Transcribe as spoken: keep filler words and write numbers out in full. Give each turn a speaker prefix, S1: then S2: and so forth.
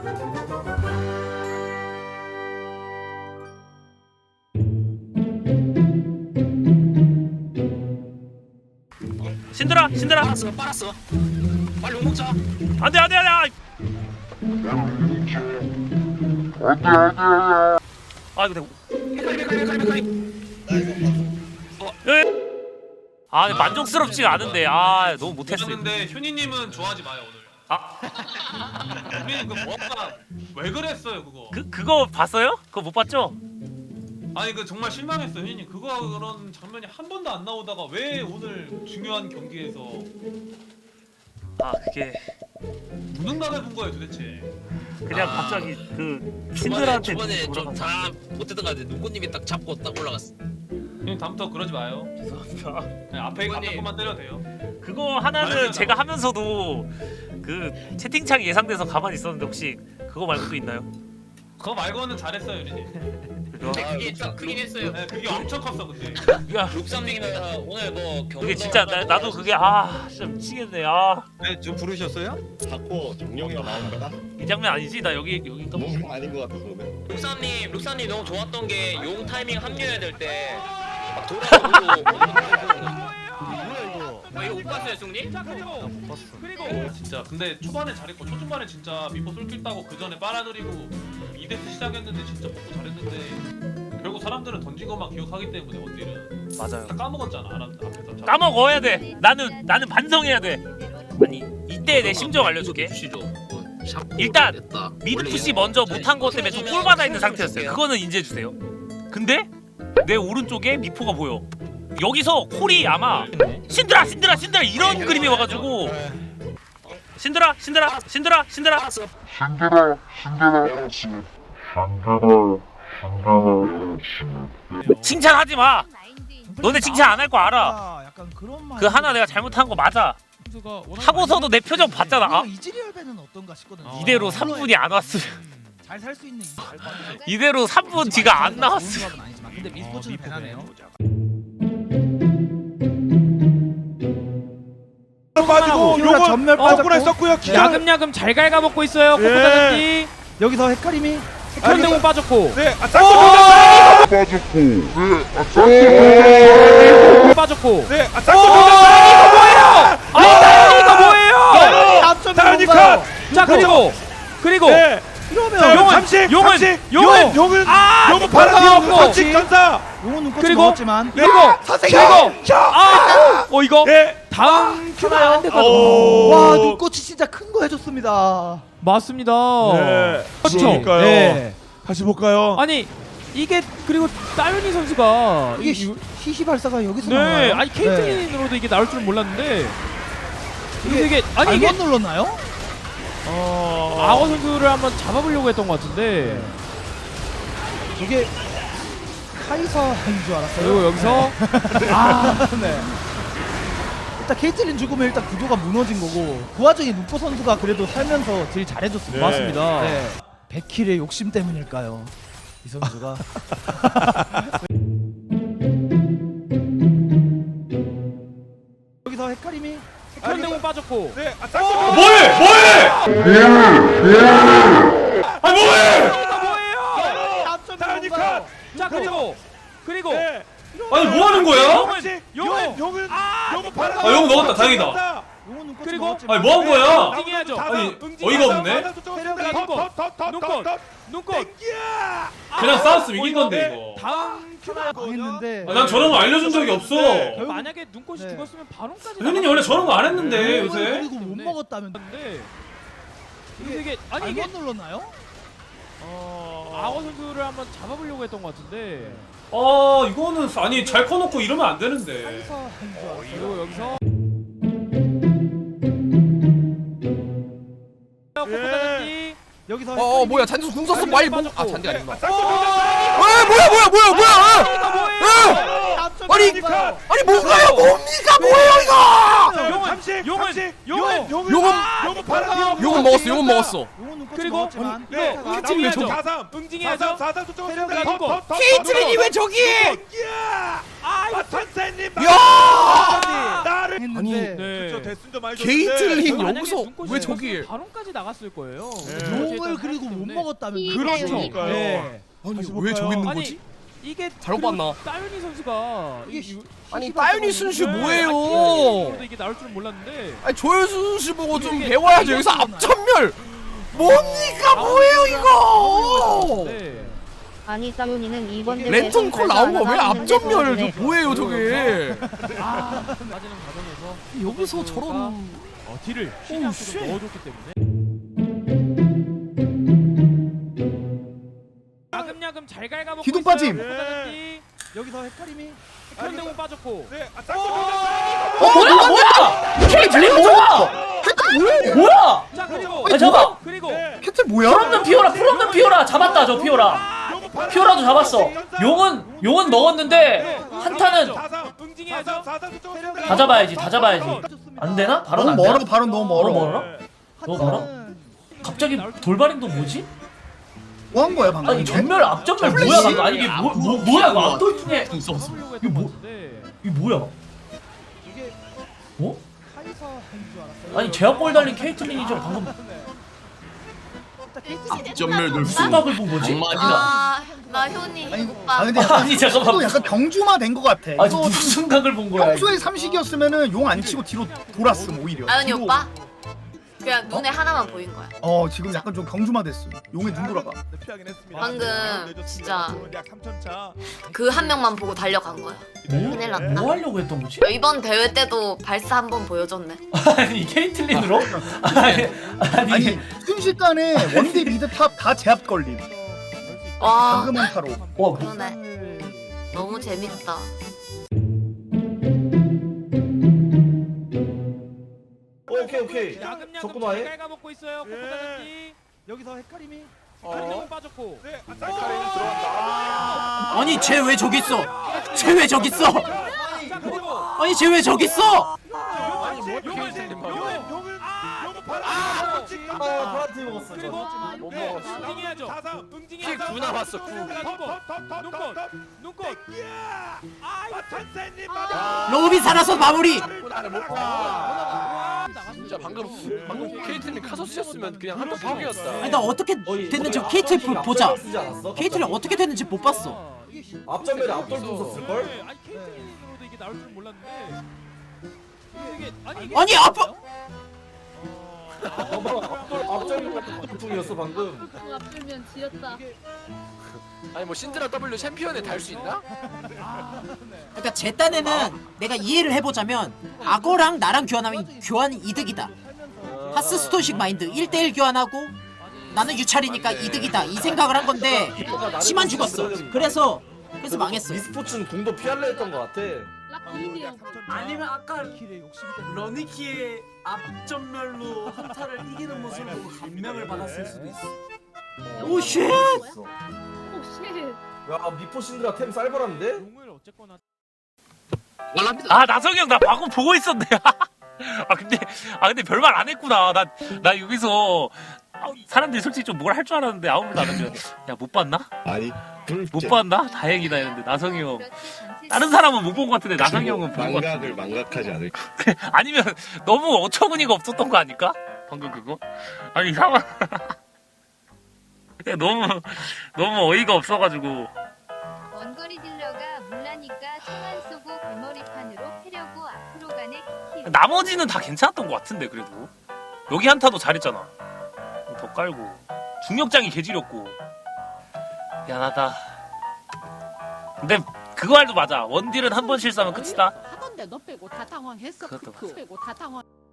S1: 신들아 신들아
S2: 빨았어 빨았어 빨리 욕 먹자.
S1: 안돼 안돼 안돼 아 이거
S2: 메카리 메카리 메카리 메카리.
S1: 아 근데 만족스럽지가 않은데 아 너무 못했어.
S3: 근데 효니님은 좋아하지 마요 오늘.
S1: 아
S3: 효니님 그 뭐가 왜 그랬어요 그거?
S1: 그 그거 봤어요? 그거 못 봤죠?
S3: 아니 그 정말 실망했어요 효니님. 그거 그런 장면이 한 번도 안 나오다가 왜 오늘 중요한 경기에서
S1: 아 그게
S3: 무능 각을 본 거예요 도대체?
S1: 그냥
S2: 아.
S1: 갑자기 그
S2: 초반에
S1: 신들한테
S2: 초반에
S1: 돌아가서.
S2: 좀 다 못했던 것 같은데 눈꽃님이 딱 잡고 딱 올라갔어.
S3: 효님 다음부터 그러지 마요.
S1: 죄송합니다.
S3: 그냥 앞에
S2: 효님.
S3: 앞에 것만 때려도 돼요.
S1: 그거 하나는
S3: 말해요,
S1: 제가 하면서도 그 채팅창이 예상돼서 가만히 있었는데 혹시 그거 말고 또 있나요?
S3: 그거 말고는 잘했어요 효니님.
S2: 근데 그게 좀 크긴 했어요.
S3: 네, 그게 엄청 컸어 근데.
S1: 야
S2: 룩삼님은 오늘 뭐 경기
S1: 그게 진짜 나, 나도 그게 아 진짜 미치겠네. 아 이
S4: 네, 좀 부르셨어요?
S5: 자꾸 정령이가 나온 거다?
S1: 장면 아니지? 나 여기 여기가 뭐
S5: 뭐 아닌 것 같아 그러면.
S2: 룩삼님 룩삼님 너무 좋았던 게 용 타이밍 합류해야 될 때 막 돌아가고
S5: 뭐야 이거?
S2: 아 이거 못 봤어요 승님?
S5: 못 봤어.
S3: 어, 진짜 근데 초반에 잘했고 초중반에 진짜 미포 쏠길 따고 그 전에 빨아들이고 이 대스 시작했는데 진짜 먹고 잘했는데 결국 사람들은 던진 것만 기억하기 때문에 원딜은
S1: 맞아요.
S3: 다 까먹었잖아 알았 앞에서. 자,
S1: 까먹어야 돼. 나는 나는 반성해야 돼. 아니 이때 내 심정 알려줄게. 일단 미드 푸시 먼저 못한 것 때문에 좀 꼴받아 있는 상태였어요. 그거는 인지해 주세요. 근데 내 오른쪽에 미포가 보여. 여기서 콜이 아마 신들아 신들아 신들아 이런 그림이 와가지고 신들아 신들아 신들아 신들아
S2: 알았어.
S6: 신들아, 신들아, 신들아, 신들아.
S1: 칭찬하지 마. 너네 칭찬 안 할 거 알아.
S7: 아, 약간 그런 말.
S1: 그 하나 내가 잘못한 거 맞아. 하고서도 내 표정 봤잖아. 아,
S7: 이즈리얼배는 어떤가 싶거든.
S1: 이대로 삼 분이 안 왔으면
S7: 잘 살 수 있는
S1: 이대로 삼 분 뒤가 안 나왔으면.
S7: 좋은 조합은 아니지만 근데 미스포츠는 배나네요.
S4: 빠지고
S7: 키우라
S4: 요거
S7: 전멸
S4: 거꾸로
S7: 빠졌고
S4: 했었고요. 기절.
S8: 야금야금 잘 갉아먹고 있어요.
S4: 예.
S8: 코코다단지
S7: 여기서 헷갈림이
S8: 현대공 빠졌고
S4: 네, 아 짝꿍 던졌어요.
S8: 빠졌고
S4: 네, 아 짝꿍 던졌어요.
S8: 아 이거 뭐예요?
S7: 앞점이
S4: 다운이
S7: 뭔가요?
S4: 컷.
S8: 자 그리고 그리고
S4: 네.
S7: 이러면
S4: 자,
S8: 용은,
S4: 삼식,
S8: 용은,
S4: 삼식,
S8: 용은,
S4: 용은,
S8: 아,
S4: 용은
S8: 눈꽃 나왔고.
S4: 바라디오 삼식 전사.
S7: 용은 눈꽃이
S8: 그리고
S7: 먹었지만
S8: 그리고
S4: 선생님,
S8: 그리고 아어 이거
S4: 예.
S8: 다음 큐가 안 됐거든.
S4: 오.
S7: 와 눈꽃이 진짜 큰 거 해줬습니다.
S8: 맞습니다.
S4: 네.
S8: 그렇죠.
S4: 그러니까요.
S7: 네.
S4: 다시 볼까요?
S8: 아니 이게 그리고 따윤이 선수가
S7: 이게
S8: 이-
S7: 시- 히히 발사가 여기서
S8: 네
S7: 나와요?
S8: 아니 케이틀린으로도 이게 나올 줄은 몰랐는데
S7: 이게
S8: 이게 아니 이게
S7: 잘못 눌렀나요?
S4: 어.
S8: 악어 선수를 한번 잡아보려고 했던 것 같은데
S7: 이게 카이사인 줄 알았어요.
S8: 그리고 여기서
S7: 아, 네. 일단 케이틀린 죽으면 일단 구도가 무너진 거고 그 와중에 눈꽃 선수가 그래도 살면서 제일 잘해줬습니다.
S4: 네.
S8: 맞습니다.
S7: 네. 백 킬의 욕심 때문일까요? 이 선수가 여기서 헷갈림이
S8: 현대공 빠졌고
S4: 네, 아 짝꿍.
S3: 뭐해 뭐해? 아 뭐해?
S8: 이거 뭐예요?
S7: 앞점이
S4: 다운이
S7: 뭔가요?
S4: 컷.
S8: 자 그리고 그리고
S4: 네.
S3: 아니 뭐 하는 거야?
S4: 삼식, 용은, 용은, 용은 바라디오.
S3: 아, 용 넣었다, 다행이다.
S7: 용은 눈꽃이
S8: 그리고-
S7: 먹었지만
S3: 아니 뭐 한 거야?
S8: 응징해야죠.
S3: 아니
S8: 응징.
S3: 어이가 없네.
S8: 눈꽃, 눈꽃, 눈꽃.
S3: 그냥 싸웠으면 이긴 건데 이거.
S8: 다음 큐가
S7: 했는데
S3: 아, 난 저런 거 알려준 적이 없어.
S4: 네.
S7: 결국-
S8: 만약에 눈꽃이
S7: 네.
S8: 죽었으면 바론까지
S3: 효니님 원래 저런 거 안 했는데
S7: 용을
S3: 요새.
S7: 그리고 못 먹었다면
S8: 나갔는데 이게 되게 아니 이게
S7: 잘못 눌렀나요?
S8: 악어 선수를 한번 잡아보려고 했던 것 같은데
S3: 아 이거는 아니 잘 커놓고 이러면 안 되는데.
S7: 카이사인 줄 알았어요.
S8: 그리고 여기서 코코다단지
S7: 여기서
S9: 어, 어
S7: 헷갈림이
S9: 뭐야 잔디수 궁 썼어 빨리 뭐, 아
S8: 빠졌고.
S9: 잔디
S4: 네,
S9: 아니구나.
S4: 아 짝꿍 던졌어요.
S9: 아 뭐야 뭐야 뭐야 뭐야?
S8: 이거 뭐예요?
S7: 앞점이
S9: 아니,
S7: 뭔가요?
S9: 아니 뭔가요 뭡니까 뭐예요 이거?
S8: 용은
S4: 삼식
S8: 용은,
S4: 삼식
S8: 용은,
S4: 용은
S9: 용은-
S4: 용은 바람
S9: 용은 먹었어 용은 먹었어.
S7: 용은 눈꽃이
S8: 그리고
S7: 먹었지만
S4: 네
S8: 이거
S4: 나머지
S8: 응징해야죠.
S4: 사삼
S8: 응징해야죠.
S4: 사삼 수적으로
S7: 체력이
S4: 더,
S8: 있고.
S4: 더, 더,
S9: 케이틀린이
S4: 더,
S9: 왜 저기?
S4: 야!
S8: 아, 이거
S4: 아 천사님
S9: 야!
S4: 나를
S7: 했는데
S8: 네.
S4: 그쵸 대순도 많이
S9: 게이틀린
S8: 만약에
S9: 여기서
S8: 눈꽃이
S9: 왜
S8: 있었으면
S9: 저기?
S8: 바론까지 나갔을 거예요.
S4: 네.
S7: 용을 그리고 못 먹었다면
S6: 그렇죠.
S4: 그러니까요.
S7: 네.
S9: 아니
S4: 다시
S9: 왜
S4: 볼까요?
S9: 저기 있는
S8: 아니,
S9: 거지?
S8: 이게
S9: 잘못
S8: 그리고
S9: 봤나?
S8: 따윤이 선수가
S7: 이게
S8: 이-
S9: 아니
S7: 시시발
S9: 따윤이
S7: 뻔하네.
S9: 순수
S8: 네,
S9: 뭐예요?
S8: 저도 이게 나올 줄은 몰랐는데.
S9: 아니 조현수 씨 보고 좀
S8: 이게
S9: 배워야죠. 여기서 앞전멸. 뭡니까 뭐예요 이거?
S8: 네.
S10: 아니 따윤이는 이번 대회에서
S9: 랜턴 콜
S10: 발사
S9: 나온 거 왜
S10: 안 하는데
S9: 앞전멸?
S10: 그러네.
S9: 저 뭐예요 저게?
S8: 아, 빠지는 과정에서
S9: 여기서 저런
S8: 어, 딜을
S9: 오우,
S8: 시리아스로
S9: 쉣.
S8: 넣어줬기 때문에 야금야금 잘 갉아먹고
S7: 기둥
S8: 있어요.
S7: 빠짐.
S8: 네.
S7: 여기서 헷갈림이
S8: 현대공 빠졌고.
S4: 네, 아, 쌍둥이
S9: 어 뭐야 뭐야? 케이틀린 뭐야?
S11: 뭐야?
S8: 자 그리고
S11: 아 잠깐.
S8: 그리고
S7: 캐틀 뭐야?
S11: 풀없는 피오라 풀없는 피오라 잡았다 저 피오라. 피오라도 잡았어. 용은 용은 먹었는데 한타는
S4: 사삼
S8: 응징해야죠.
S4: 사삼 수적으로
S11: 다 잡아야지 다 잡아야지. 안 되나? 바로 안 되나?
S7: 바로 너무
S11: 너무 멀어?
S4: 네.
S11: 너무 멀어? 갑자기 돌발행동 뭐지?
S7: 뭐 한 거야 방금?
S11: 아니 전멸 앞전멸 뭐야 방금? 아니 이게 뭐, 뭐 뭐야 이거 안돌풍에
S8: 잡으려고
S11: 이거
S8: 했던
S11: 뭐-
S8: 것 같은데.
S11: 이게 뭐야?
S7: 이게
S11: 어?
S7: 카이사 한줄 알았어요.
S11: 아니 제압골 달린 케이틀린이죠 방금
S9: 앞전멸 늘수.
S11: 수박을 본 거지?
S10: 아, 나 효니
S7: 아니,
S10: 오빠.
S7: 아 근데
S11: 아니 잠깐만
S7: 약간 경주마 된 거 같아.
S11: 아니
S7: 이거
S11: 무슨 각을 본 거야?
S7: 평소에 삼식이었으면은 용 안 치고 뒤로 돌았음 오히려.
S10: 아윤이
S7: 뒤로-
S10: 오빠? 그냥 눈에 하나만 보인 거야.
S7: 어 지금 약간 좀 경주마 됐어. 용에 눈 돌아가.
S4: 네, 피하긴 했습니다.
S10: 방금
S4: 내줬습니다.
S10: 진짜
S4: 좋은데 약 삼천 차.
S10: 그 한 명만 보고 달려간 거야. 큰일 났다.
S11: 뭐 하려고 했던 거지?
S10: 이번 대회 때도 발사 한 번 보여줬네.
S11: 아니 케이틀린으로? 아니 아니,
S7: 아니 순식간에 원딜 미드 탑 다 제압 걸림.
S10: 와,
S7: 방금 한타로.
S11: 와 뭐,
S10: 그러네. 너무 재밌다.
S5: 오케이 오케이.
S8: 야금야금
S5: 적구마해.
S8: 잘 갉아먹고 있어요.
S4: 예.
S8: 코코다전지.
S7: 여기서 헷갈림이.
S8: 현대공 빠졌고.
S4: 네, 아, 쌍둥이 들어간다.
S9: 아니 쟤 왜 저기 있어? 쟤 왜 저기 있어?
S8: 자 그리고
S9: 아니 쟤 왜 저기 있어?
S8: 용을 용을
S4: 용은
S8: 용을
S4: 용은
S8: 아,
S4: 용은 바람.
S5: 아 파란티 먹었어.
S8: 그리고
S5: 못
S4: 네,
S5: 먹었어.
S8: 응징해야죠.
S4: 사삼
S8: 응징해야죠.
S2: 구 남았어, 구.
S8: 눈꽃 눈꽃.
S4: 야!
S8: 아 이거
S4: 아, 천사님
S8: 아.
S4: 맞아.
S9: 로비 살아서 마무리.
S2: 진짜 방금 방금 케이틀린 카소스였으면 그냥 한번 파괴였다.
S9: 아니 나 어떻게 됐는지 케이틀 보자. 케이틀린 어떻게 됐는지 못 봤어.
S5: 앞전멸에 앞돌도 썼을 걸?
S8: 네, 아니 케이틀린으로도 이게 나올 줄 몰랐는데. 이게 아니 이게
S9: 아니 아빠.
S5: 앞전멸 앞돌풍이었어 방금.
S10: 앞들면 지렸다.
S2: 아니 뭐 신드라 W 챔피언에 달 수 있나?
S9: 그러니까 제 딴에는 내가 이해를 해보자면 악어랑 나랑 교환하면 교환이 이득이다. 하스스톤식 마인드 일 대 일 교환하고 나는 유찰이니까 이득이다 이 생각을 한 건데 치만 죽었어. 그래서 그래서 망했어.
S5: 미스포츠는 궁도 피할래 했던 것 같아.
S9: 아니면 아까 러니키의 앞전멸로 한타를 이기는 모습을 보고 감명을 받았을 수도 있어. 오 쉣!
S5: 야 미포 신드라 템 쌀벌한데?
S8: 용을 어쨌거나
S1: 아 나성이 형 나 방금 보고 있었네. 아 근데 아 근데 별말 안 했구나. 나 나 여기서 아, 사람들이 솔직히 좀 뭘 할 줄 알았는데 아무 말도 안 하면 야 못 봤나?
S5: 아니
S1: 못 봤나? 다행이다 했는데 나성이 형 다른 사람은 못 본 것 같은데 나성이 형은 본 것 같아.
S5: 망각을 망각하지 않을.
S1: 아니면 너무 어처구니가 없었던 거 아닐까? 방금 그거? 아니 상황 너무 너무 어이가 없어가지고.
S10: 원거리 딜러가 물라니까 총안 쏘고 개머리판으로 패려고 앞으로 가네 키키.
S1: 나머지는 다 괜찮았던 것 같은데 그래도 여기 한타도 잘했잖아. 더 깔고 중력장이 개지렸고 미안하다. 근데 그거 말도 맞아. 원딜은 한 번 실수하면 끝이다.
S10: 하던데 너 빼고 다 당황했어.
S1: 그것도
S10: 그 빼고 다 당황.